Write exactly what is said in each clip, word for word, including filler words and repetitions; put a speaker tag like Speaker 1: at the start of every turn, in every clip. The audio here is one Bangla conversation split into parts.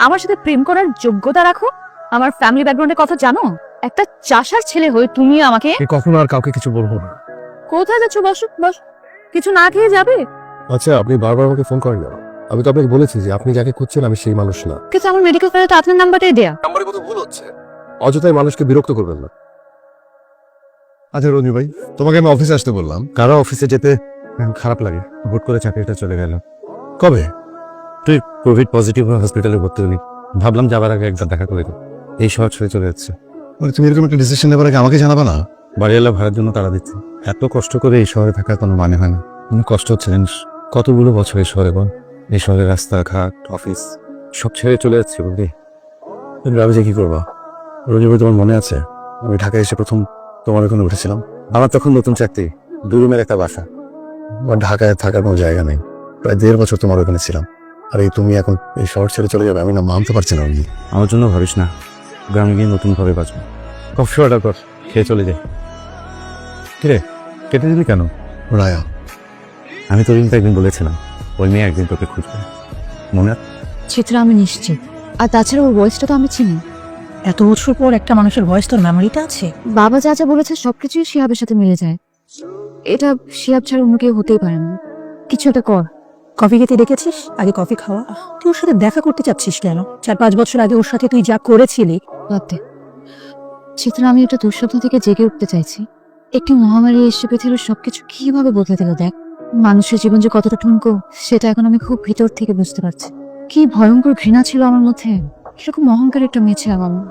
Speaker 1: আমার সাথে প্রেম করার যোগ্যতা রাখো? আমার ফ্যামিলি ব্যাকগ্রাউন্ডের কথা জানো? একটা চাষার ছেলে হয়ে তুমি আমাকে
Speaker 2: কখনো আর কাউকে কিছু বলবো না।
Speaker 1: কোথায় যাচ্ছ? বসো বস। কিছু না খেয়ে যাবে?
Speaker 2: আচ্ছা, আপনি বারবার আমাকে ফোন করেন না। আমি তো আপনাকে বলেছি যে আপনি যাকে খুঁজছেন আমি সেই মানুষ না।
Speaker 1: কিন্তু আমার মেডিকেল ফাইলে তো আপনার নাম্বারটাই দেয়া।
Speaker 2: নাম্বারে কত ভুল হচ্ছে। অযথাই মানুষকে বিরক্ত করবেন না। আচ্ছা রঞ্জু ভাই, তোমাকে আমি অফিসে আসতে বললাম। কারো অফিসে যেতে খারাপ লাগে। হুট করে চাকরিটা চলে গেল। কবে? তুই কোভিড পজিটিভ হসপিটালে ভর্তি হলি। ভাবলাম যাবার আগে একবার দেখা করে দেব। এই শহর ছেড়ে চলে যাচ্ছে। মানে তুমি এরকম একটা ডিসিশন নেবার আগে আমাকে জানাবা না? বাড়িওয়ালা ভাড়ার জন্য তারা দিচ্ছে। এত কষ্ট করে এই শহরে থাকার কোনো মানে হয় না। কোনো কষ্ট হচ্ছে জানিস? কতগুলো বছর এই শহরে বল। এই শহরের রাস্তাঘাট, অফিস সব ছেড়ে চলে যাচ্ছে বুঝলি। তুমি ভাবে যে কি করবা? রঞ্জু ভাই, তোমার মনে আছে আমি ঢাকায় এসে প্রথম তোমার ওখানে উঠেছিলাম? আমার তখন নতুন চাকরি, দু রুমের একটা বাসা। আমার ঢাকায় থাকার কোনো জায়গা নেই। প্রায় দেড় বছর তোমার ওখানে ছিলাম। আর এই তুমি এখন এই শহর ছেড়ে চলে যাবে, আমি না মানতে পারছি না। আমার জন্য ভাবিস না, গ্রামে গিয়ে নতুন ভাবে বাঁচবো। কফি অর্ডার কর, খেয়ে চলে যাই। কিরে কেটে দিলি কেন? রায়া, আমি তোর কিন্তু একদিন বলেছিলাম ওই মেয়ে একদিন তোকে খুঁজবে, মনে আছে?
Speaker 1: চিত্রা আমি নিশ্চিত। আর তাছাড়া ওর ভয়েসটা তো আমি চিনি।
Speaker 3: এত বছর পর একটা মানুষের ভয়েস তোর মেমোরিতে আছে?
Speaker 1: বাবা যা যা বলেছে সবকিছুই শিহাবের সাথে মিলে যায়। এটা শিহাব ছাড়া অন্য কেউ হতেই পারে না। কিছু একটা কর।
Speaker 3: কফি খেতে ডেকেছিস, আগে কফি খাওয়া। তুই ওর সাথে দেখা করতে চাচ্ছিস কেন? চার পাঁচ বছর আগে ওর সাথে তুই যা করেছিলি।
Speaker 1: বাদ দে। চিত্রা, আমি একটা দুঃস্বপ্ন থেকে জেগে উঠতে চাইছি। একটি মহামারী এসে পৃথিবীর সবকিছু কিভাবে বদলে দিল দেখ। মানুষের জীবন যে কতটা ঠুনকো সেটা এখন আমি খুব ভিতর থেকে বুঝতে পারছি। কি ভয়ঙ্কর ঘৃণা ছিল আমার মধ্যে। কিরকম অহংকার একটা মেয়ে ছিলাম আমি।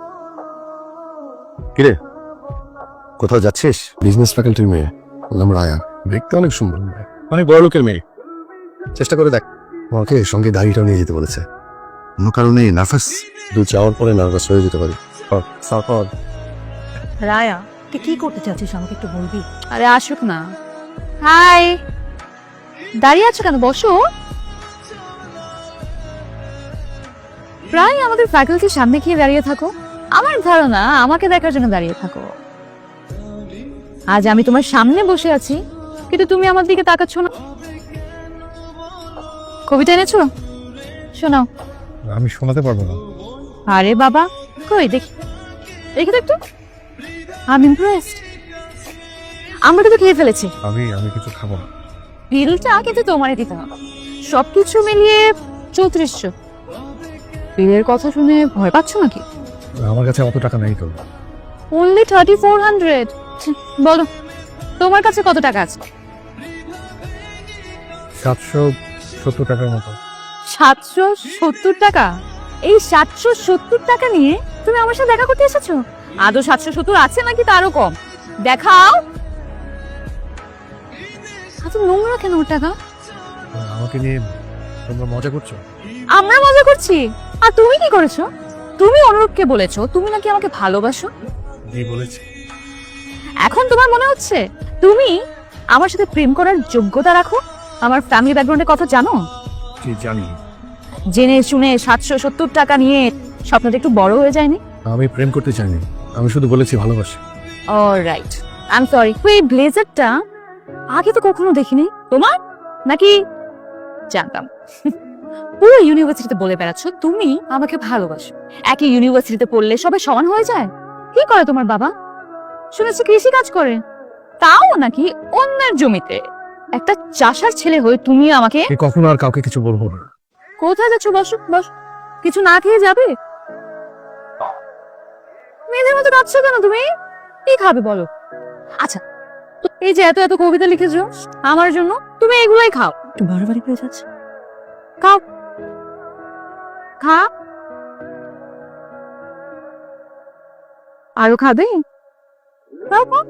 Speaker 2: কিরে কোথাও যাচ্ছিস? বিজনেস ফ্যাকাল্টির মেয়ে, বললাম রায়া। দেখতে অনেক সুন্দর, অনেক বড় লোকের মেয়ে। চেষ্টা করে দেখ। আমাকে সঙ্গে গাড়িটাও নিয়ে যেতে বলেছে। কোনো কারণে নার্ভাস, দু যাওয়ার পরে নার্ভাস হয়ে যেতে পারি।
Speaker 3: রায়া, তুই কি করতে চাচ্ছিস আমাকে একটু বলবি?
Speaker 1: আরে আসুক না। হাই, দাঁড়িয়ে আছো কেন? বসো। প্রায় আমাদের ফ্যাকাল্টির সামনে গিয়ে দাঁড়িয়ে থাকো। আমার ধারণা আমাকে দেখার জন্য দাঁড়িয়ে থাকো। আজ আমি তোমার সামনে বসে আছি কিন্তু তুমি আমার দিকে তাকাচ্ছ না। কবিতা এনেছো? শোনাও।
Speaker 2: আমি শোনাতে পারবো না।
Speaker 1: আরে বাবা, কই দেখি, দেখি তো একটু। আমি ইমপ্রেসড। আমরা কিন্তু খেয়ে ফেলেছি।
Speaker 2: আমি আমি কিছু খাবো না।
Speaker 1: বিলটা কিন্তু তোমারই দিতে হবে। সবকিছু মিলিয়ে চৌত্রিশশো। বিলের কথা শুনে ভয় পাচ্ছ নাকি?
Speaker 2: আমার কাছে অত টাকা নেই তো।
Speaker 1: Only thirty four hundred. বলো তোমার কাছে কত টাকা আছে?
Speaker 2: সাতশো সত্তর টাকার মতো।
Speaker 1: সাতশো সত্তর টাকা? এই সাতশো সত্তর টাকা নিয়ে তুমি আমার সাথে দেখা করতে এসেছো? আদৌ সাতশো সত্তর আছে নাকি তারও কম? দেখাও। এত নোংরা কেন ওর টাকা?
Speaker 2: আমাকে নিয়ে তোমরা মজা করছো?
Speaker 1: আমরা মজা করছি। আর তুমি কি করেছো? তুমি অনুরূপকে বলেছো তুমি নাকি আমাকে ভালোবাসো।
Speaker 2: এই বলেছি।
Speaker 1: এখন তোমার মনে হচ্ছে তুমি আমার সাথে প্রেম করার যোগ্যতা রাখো? আমার ফ্যামিলি ব্যাকগ্রাউন্ডের কথা জানো?
Speaker 2: কি জানি?
Speaker 1: জেনে শুনে সাতশো সত্তর টাকা নিয়ে স্বপ্নটা একটু বড় হয়ে যায়নি?
Speaker 2: আমি প্রেম করতে চাইনি, আমি শুধু বলেছি ভালোবাসি।
Speaker 1: Alright, I am sorry. এই ব্লেজারটা আগে তো কখনো দেখিনি তোমার, নাকি জানতাম? পুরো ইউনিভার্সিটিতে বলে বেড়াচ্ছ তুমি আমাকে ভালোবাসো। একই ইউনিভার্সিটিতে পড়লে সবাই সমান হয়ে যায়? কি করে তোমার বাবা? শুনেছি কৃষি কাজ করে, তাও নাকি অন্যের জমিতে। একটা চাষার ছেলে হয়ে তুমি আমাকে
Speaker 2: কখনো আর কাউকে কিছু বলবো না।
Speaker 1: কোথায় যাচ্ছ? বসো বস। কিছু না খেয়ে যাবে? মেয়েদের মতো কাঁদছো কেন তুমি? কি খাবে বলো? আচ্ছা, এই যে এত এত কবিতা লিখেছো আমার জন্য, তুমি এগুলাই খাও।
Speaker 3: একটু বাড়াবাড়ি পেয়ে যাচ্ছে।
Speaker 1: খাও, খা। আরো খাবে? খাও, খাও।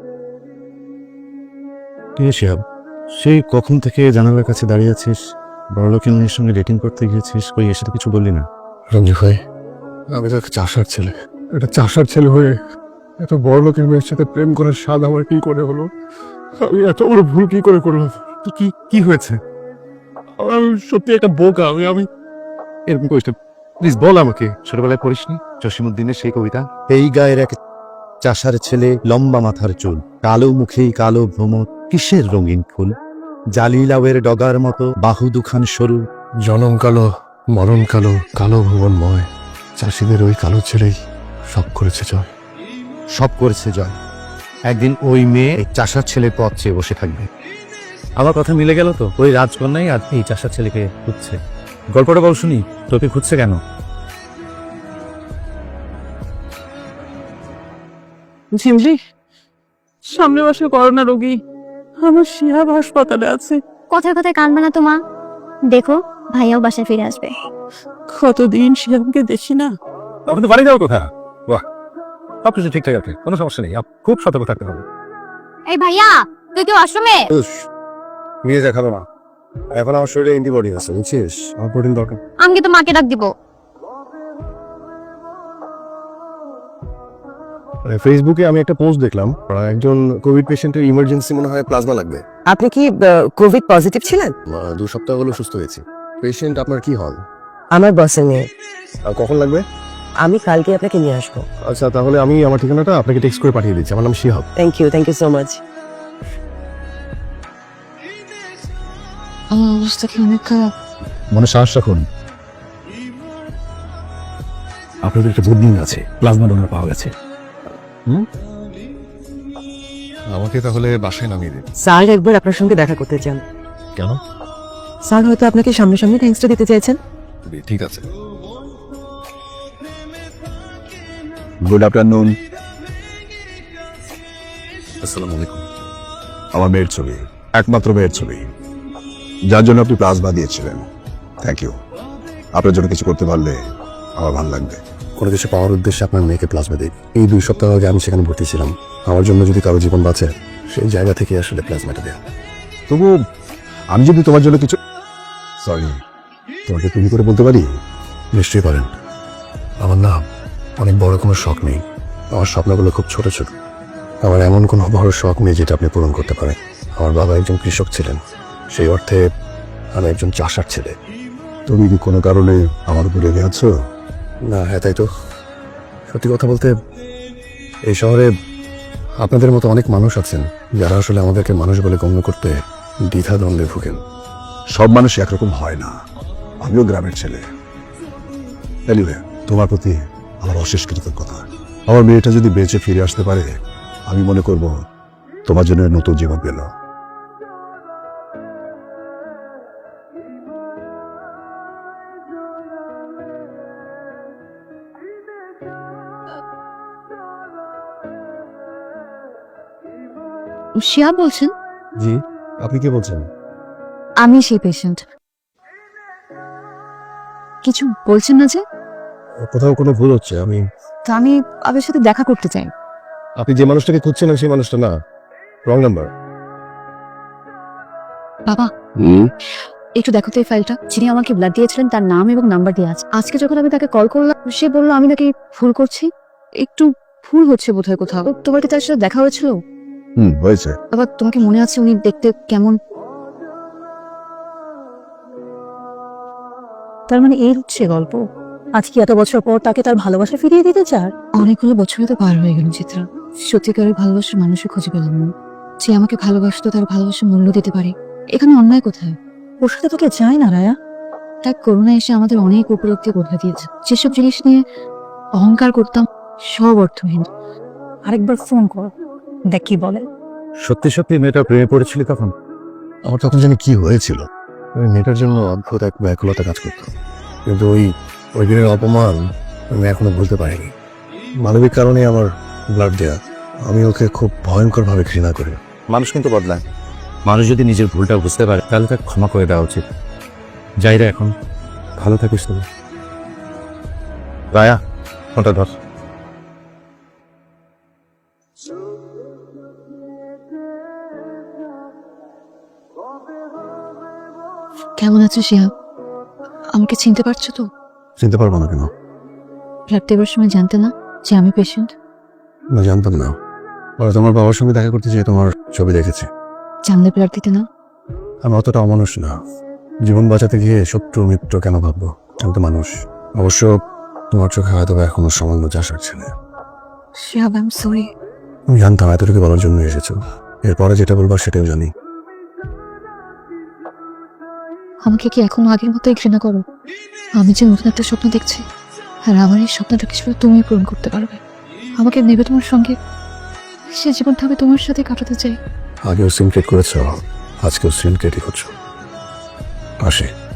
Speaker 2: কে শিহাব? সেই কখন থেকে জানালার কাছে দাঁড়িয়ে আছিস, বড়লোকের মেয়ের সঙ্গে ডেটিং করতে গিয়েছিস, কই এসে তো কিছু বললি না? রঞ্জু ভাই, আমি তো একটা চাষার ছেলে। একটা চাষার ছেলে হয়ে এত বড় লোকের মেয়ের সাথে প্রেম করার স্বাদ আমার কি করে হলো? আমি এত বড় ভুল কি করে করলাম? তো কি কি হয়েছে? আমি সত্যি একটা বোকা। আমি আমি এরকম করিস না, প্লিজ বল আমাকে। ছোটবেলায় পড়িসনি জসিমউদ্দিনের সেই কবিতা?
Speaker 4: এই গায়ের এক চাষার ছেলে, লম্বা মাথার চুল, কালো মুখেই কালো ভ্রমর, কিসের রঙিন ফুল, জালি লাউয়ের ডগার মতো বাহু দুখান সরু,
Speaker 2: জনম কালো মরণ কালো কালো ভুবনময়, চাষিদের ওই কালো ছেলেই সব করেছে জয়।
Speaker 4: সব করেছে জয়। একদিন ওই মেয়ে এই চাষার ছেলের পথ চেয়ে বসে থাকবে।
Speaker 5: আমার কথা মিলে গেল তো, ওই রাজকন্যাই আজ এই চাষার ছেলেকে খুঁজছে। গল্পটা বল শুনি, তোকে খুঁজছে কেন?
Speaker 6: ঝিমলি, সামনের মাসে করোনা রোগী আমার শিহাব হাসপাতালে আছে।
Speaker 7: কথায় কথায় কানবে না তো মা, দেখো ভাইয়াও বাসায় ফিরে আসবে।
Speaker 6: কতদিন শিহাবকে দেখি না।
Speaker 5: আমাদের বাড়ি যাওয়ার কথা। বাহ, সব কিছু ঠিকঠাক আছে, কোনো সমস্যা নেই। আপ- খুব সতর্ক থাকতে হবে।
Speaker 7: এই ভাইয়া, তুই কি আশ্রমে?
Speaker 2: নিয়ে যা, খাবে না। এখন আমার শরীরে অ্যান্টিবডি আছে, বুঝছিস? আমার প্রোটিন দরকার।
Speaker 7: আমি তো মাকে ডাক দিব।
Speaker 2: ফেসবুকে আমি একটা পোস্ট দেখলাম, একজন কোভিড পেশেন্টের ইমার্জেন্সি মনে হয় প্লাজমা লাগবে।
Speaker 8: আপনি কি কোভিড পজিটিভ ছিলেন?
Speaker 2: আহ, দু সপ্তাহ হলো সুস্থ হয়েছি। পেশেন্ট আপনার কি হল?
Speaker 8: আমার বসের মেয়ে।
Speaker 2: আর কখন লাগবে?
Speaker 8: আমি কালকে আপনাকে নিয়ে আসবো।
Speaker 2: আচ্ছা, তাহলে আমি আমার ঠিকানাটা আপনাকে টেক্সট করে পাঠিয়ে দিচ্ছি। আমার নাম Shihab.
Speaker 8: Thank you, thank you so much.
Speaker 1: আমার অবস্থা কি অনেক খারাপ।
Speaker 5: মনে সাহস রাখুন, আপনাদের একটা গুড নিউজ আছে, প্লাজমা ডোনার পাওয়া গেছে।
Speaker 2: আমাকে তাহলে বাসায় নামিয়ে দিন।
Speaker 8: স্যার একবার আপনার সঙ্গে দেখা করতে চান।
Speaker 5: কেন?
Speaker 8: স্যার হয়তো আপনাকে সামনাসামনি থ্যাঙ্কসটা দিতে চাইছেন।
Speaker 2: ঠিক আছে।
Speaker 9: Good afternoon.
Speaker 2: আসসালামু আলাইকুম।
Speaker 9: আমার মেয়ের ছবি, একমাত্র মেয়ের ছবি, যার জন্য আপনি প্লাজমা দিয়েছিলেন। Thank you. আপনার জন্য কিছু করতে পারলে আমার ভালো লাগবে।
Speaker 2: কোনো কিছু পাওয়ার উদ্দেশ্যে আপনার মেয়েকে প্লাজমা দিই। এই দুই সপ্তাহ আগে আমি সেখানে ভর্তি ছিলাম। আমার জন্য যদি কারো জীবন বাঁচে, সেই জায়গা থেকে আসলে প্লাজমাটা দেয়া।
Speaker 9: তবু আমি যদি তোমার জন্য কিছু, সরি,
Speaker 2: তোমাকে তুমি করে বলতে পারি? নিশ্চয়ই পারেন। আমার না অনেক বড় কোনো শখ নেই। আমার স্বপ্নগুলো খুব ছোট ছোট। আমার এমন কোনো বড় শখ নেই যেটা আপনি পূরণ করতে পারেন। আমার বাবা একজন কৃষক ছিলেন, সেই অর্থে আমি একজন চাষার ছেলে।
Speaker 9: তুমি কি কোনো কারণে আমার উপরে রেগে আছো?
Speaker 2: না, হ্যাঁ তাই তো। সত্যি কথা বলতে, এই শহরে আপনাদের মতো অনেক মানুষ আছেন যারা আসলে আমাদেরকে মানুষ বলে গণ্য করতে দ্বিধা দ্বন্দ্বে ভুগেন।
Speaker 9: সব মানুষ একরকম হয় না। আমিও গ্রামের ছেলে। এনিওয়ে, তোমার প্রতি আমার অশেষ কৃতজ্ঞতা। আমার মেয়েটা যদি বেঁচে ফিরে আসতে পারে, আমি মনে করব তোমার জন্য নতুন জীবন পেল।
Speaker 1: শিয়া বলছেন?
Speaker 2: জি, আপনি কি বলছেন?
Speaker 1: আমি সেই পেশেন্ট। কিছু বলছেন না যে?
Speaker 2: কোথাও কোনো ভুল হচ্ছে। আমি
Speaker 1: তো আমি আপনার সাথে দেখা করতে চাই।
Speaker 2: আপনি যে মানুষটাকে খুঁজছেন সেই মানুষটা না, রং নাম্বার।
Speaker 1: বাবা, একটু দেখো তো এই ফাইলটা। যিনি আমাকে ব্লাড দিয়েছিলেন তার নাম এবং নাম্বার দেওয়া আছে। আজকে যখন আমি তাকে কল করলাম, সে বললো আমি নাকি ভুল করছি। একটু ভুল হচ্ছে বোধহয় কোথাও। তোমার কি তার সাথে দেখা হয়েছিল?
Speaker 9: হুম, হয়েছে।
Speaker 1: বাবা, তোমাকে মনে আছে উনি দেখতে কেমন?
Speaker 3: তার মানে এই হচ্ছে গল্প। আজকে এত বছর পর তাকে তার ভালোবাসা ফিরিয়ে দিতে চার?
Speaker 1: অনেকগুলো বছরই তো পার হয়ে গেল চিত্রা। সত্যিকারের ভালোবাসার মানুষই খুঁজে পেলাম না। যে আমাকে ভালোবাসতো তার ভালোবাসার মূল্য দিতে পারে। এখানে অন্যায় কোথায়?
Speaker 3: ওর সাথে তোকে চায় না রায়া।
Speaker 1: তার করোনা এসে আমাদের অনেক উপলব্ধি করে দিয়েছে। যেসব জিনিস নিয়ে অহংকার করতাম সব অর্থহীন।
Speaker 3: আরেকবার ফোন কর, দেখ কি বলে।
Speaker 5: সত্যি সত্যি মেয়েটা প্রেমে পড়েছিলি তখন?
Speaker 2: আমার তখন জানি কি হয়েছিল। ওই মেয়েটার জন্য অদ্ভুত এক ব্যাকুলতা কাজ করতো। কিন্তু ওই ওই দিনের অপমান আমি এখনো ভুলতে পারিনি। মানবিক কারণে আমার ব্লাড দেয়া। আমি ওকে খুব ভয়ঙ্কর ভাবে ঘৃণা করি।
Speaker 5: মানুষ কিন্তু বদলায়। মানুষ যদি নিজের ভুলটা বুঝতে পারে তাহলে তাকে ক্ষমা করে দেওয়া উচিত। যাই রে, এখন ভালো থাকিস তুমি। রায়া, ফোনটা ধর।
Speaker 1: কেমন আছো শিয়া? আমাকে চিনতে পারছো তো?
Speaker 2: চিনতে পারবো না কেন?
Speaker 1: ব্লাড দেওয়ার সময় জানতে না যে আমি পেশেন্ট?
Speaker 2: না, জানতাম না। পরে তোমার বাবার সঙ্গে দেখা করতে যেয়ে তোমার ছবি দেখেছি।
Speaker 1: জানলে ব্লাড দিতে না?
Speaker 2: আমি অতটা অমানুষ না। জীবন বাঁচাতে গিয়ে শত্রু মিত্র কেন ভাববো? আমি তো মানুষ। অবশ্য তোমার চোখে হয়তো বা এখনো সামান্য চাষার ছেলে।
Speaker 1: Shihab, I am sorry.
Speaker 2: আমি জানতাম এতটুকু বলার জন্য এসেছো। এরপরে যেটা বলবার সেটাও জানি।
Speaker 1: আমাকে কি এখনো আগের মতোই ঘৃণা করো? আমি যে নতুন একটা স্বপ্ন দেখছি, আর আমার এই স্বপ্নটা কিছু তুমি পূরণ করতে পারবে। আমাকে নেবে তোমার সঙ্গে, সে জীবনটা আমি তোমার সাথে কাটাতে চাই।
Speaker 9: আগেও সিনক্রেট করেছ, আজকেও সিনক্রেটই করছো। আসে